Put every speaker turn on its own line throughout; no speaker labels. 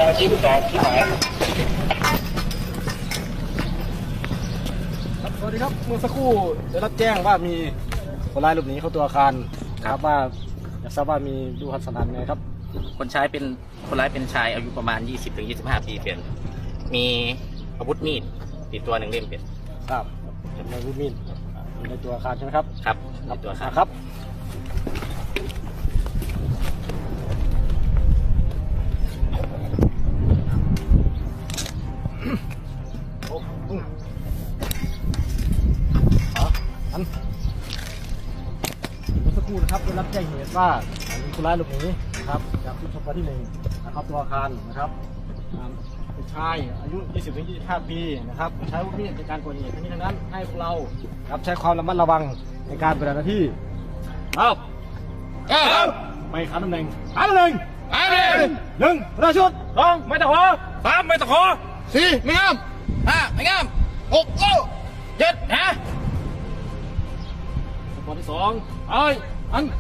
ชี้ต่อที่หมาย
สวัสดีครับเมื่อสักครู่ได้รับแจ้งว่ามีคนร้ายหลบหนีเข้าตัวอาคารครับว่าอยากทราบว่ามีดูความสันทัดไงครับ
คนร้ายเป็นชายอายุประมาณ 20-25 ปีเปลี่ยนมีอาวุธมีดติดตัว1 เล่มเปลี่ยน
ทราบจำนวนอาวุธมีดอยู่ในตัวอาคารใช่ไหมครับ
ครับในตัวอาคาร
ครับเมื่อสักครู่นะครับได้รับแจ้งเหตุว่ามีคนร้ายหลบหนีนะครับจากชุดชปที่1นะครับตัวอาคารนะครับเป็นชายอายุ 20-25 ปีนะครับใช้อาวุธมีดในการก่อเหตุทั้งนี้ทั้งนั้นให้พวกเราครับใช้ความระมัดระวังในการปฏิบัติหน้าที่ไม่ขาดตำแหน่ง1ประชุด2ไม่ตะขอ3ไม่ตะขอ4ไม่งาม5ไม่งาม6 7ฮะข้อที่2อัน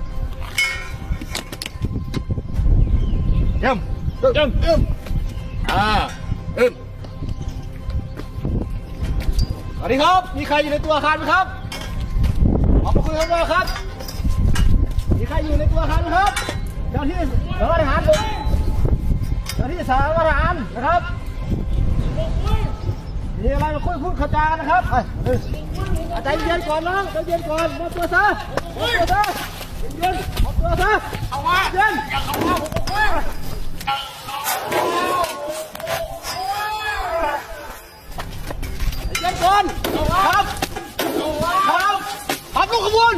เยี่ยมสวัสดีครับมีใครอยู่ในตัวอาคารไหมครับออกมาคุยกันเลยครับมีใครอยู่ในตัวอาคารไหมครับเจ้าที่สารวัตรทหารเจ้าที่สารวัตรทหารนะครับมีอะไรมาพูดเข้าใจกันนะครับใจเย็นก่อนน้องใจเย็นก่อนมอบตัวซะเย็นมอบตัวซะเอาว่าเย็นอย่าเข้ามาเย็นก่อนครับลูกขบวน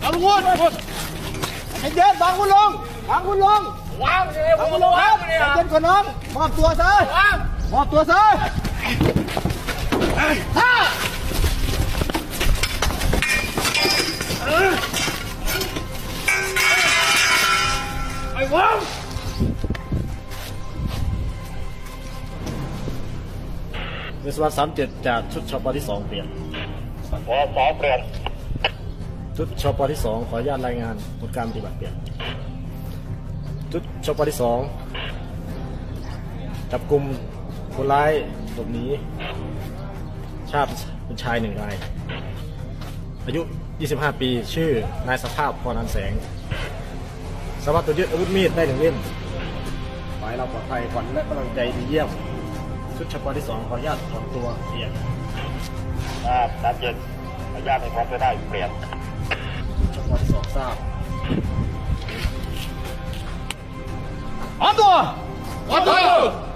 ใจเย็นวางคุณลงครับเย็นก่อนน้องมอบตัวซะไอ้วังวิศวะ37จากชุดชปที่2เปลี่ยนชุดชปที่2ขออนุญาตรายงานผลการปฏิบัติเปลี่ยนชุดชปที่2จับกลุ่มคนร้ายหลบหนีชาติเป็นชาย1 รายอายุ 25 ปีชื่อนายสภาพพรอันแสงสามารถตรวจยึดอาวุธมีดได้1 เล่มฝ่ายเราปลอดภัยขวัญและกำลังใจดีเยี่ยมชุดชปที่2ขออนุญาตถอนตัวเปลี่ยน
รับเย็นอนุญาตให้พร้อมจะได้เปลี่ยน
ชปที่2ทราบพร้อมตัว